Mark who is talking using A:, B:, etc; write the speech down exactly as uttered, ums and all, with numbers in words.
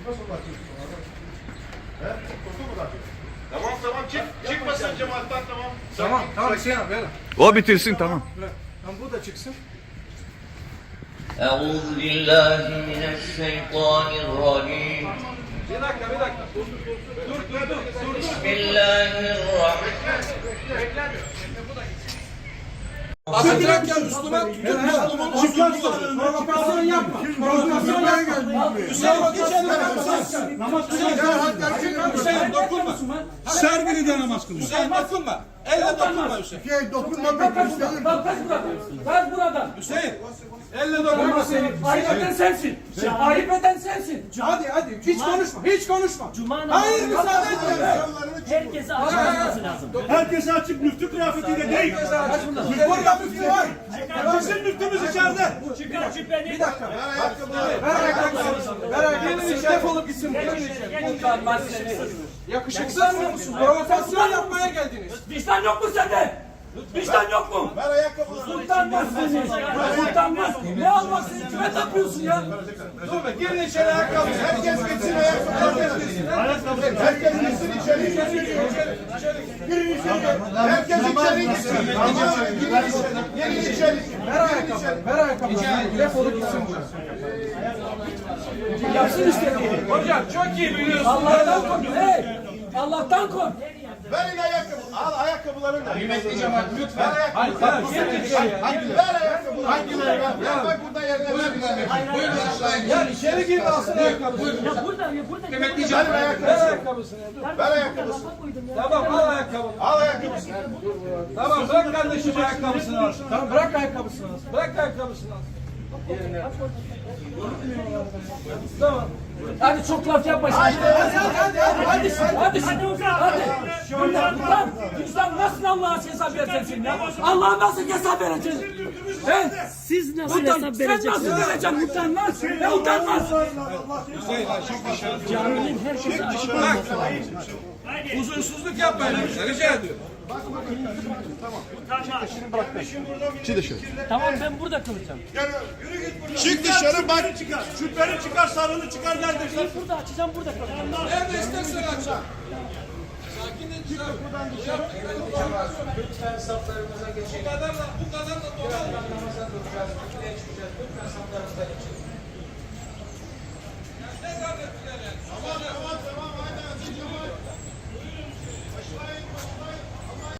A: Nasıl bakıyorsun? He? Korktu mu da? Tamam tamam çık. Çıkmasın cemaatten tamam.
B: Tamam tamam Hüseyin abi ver.
C: O bitirsin tamam.
B: Tamam bu da çıksın.
D: أعوذ بالله من الشيطان الرجيم
B: Bir dakika bir dakika. Dur dur dur. Dur dur.
D: بسم الله الرحمن
B: Atacak ya Müslüman tutup Müslüman çıkıyorsun. Provokasyon yapma. Provokasyon yapma. Hüseyin geçelim. Namaz kılıyor. Hüseyin dokunma.
E: Servini de namaz kılıyor.
B: Hüseyin dokunma. Elle dokunma Hüseyin.
A: Şey dokunma bak.
F: Kaç buradan, kaç buradan, kaç buradan.
B: Hüseyin. Elle dokunma seni.
F: Ayıp eden sensin. Ayıp eden sensin.
B: Hadi hadi hiç konuşma. Hiç konuşma.
F: Cuma
B: Hayır müsaade etme.
F: herkese açıklaması lazım.
E: Herkese açık müftü kıyafetiyle değil.
B: Burada müftü var.
E: Bizim müftümüz içeride.
F: Çıkar cübbeni.
B: Bir dakika. Ver ayakkabısını. Ver ayakkabısını. Defolup gitsin.
F: Utanmaz seni.
B: Yakışıksız musun? Provokasyon yapmaya geldiniz.
F: Vicdan yok mu sende? Vicdan yok mu?
A: Ver ayakkabıları.
F: Utanmaz seni. Utanmaz. Ne almak seni kime tapıyorsun ya?
B: Dur be girin içeri ayakkabı.
A: Herkes gitsin ayakkabıları. Herkes gitsin içeri. Girin içeri. Herkes içeri gitsin. Tamam. Girin içeri. Girin içeri.
B: Ver ayakkabı. Ver ayakkabı. Defolup gitsin buradan.
F: Yapsın istediğini.
B: Hocam çok iyi biliyorsun.
F: Allah'tan kork. Hey! Allah'tan kork.
A: Verin ayakkabı. Al ayakkabılarını da.
B: Kıymetli cemaat lütfen.
A: Hayır,
B: Girin içeri.
A: ver ayakkabıları. Hangileri ver? Ver bak burada yerine ver. Buyurun aşağıya.
B: Ya içeri gir alsın ayakkabısını.
F: Ya burada, ya burada.
B: Kıymetli
A: Ver
B: cemaat. Ver
A: ayakkabısını.
B: ayakkabısını. Dur.
A: Ver ayakkabısını.
B: Tamam al ayakkabını.
A: Al ayakkabısını.
B: Tamam bırak kardeşim ayakkabısını alsın. Tamam bırak ayakkabısını alsın. Bırak ayakkabısını alsın. Yerine. Tamam.
F: Hadi çok laf yapma şimdi.
B: Hadi hadi hadi.
F: Hadi hadi hadi. Ulan vicdan nasıl Allah'a hesap vereceksin ya? Allah'a nasıl hesap vereceksin? He? Siz nasıl hesap vereceksin? Sen nasıl vereceksin? Utanmaz. Ne utanmaz? Caminin herkese açık olması lazım.
B: Huzursuzluk yapmayın. Rica ediyorum.
F: Tamam ben burada kalacağım.
E: Çık dışarı bak. Şüpheli çıkar, sarılı çıkar kardeşler.
F: Ben burada açacağım, burada kalacağım.
B: Nerede istersen aç. Sakin et. Buradan dışarı. Lütfen saflarımıza geçelim. Bu kadar da bu kadar da dolan. Namaza duracağız. Kütüye çıkacağız. Lütfen saflarımıza geçelim. Ne zannettiler yani? Tamam tamam tamam. Hadi hadi.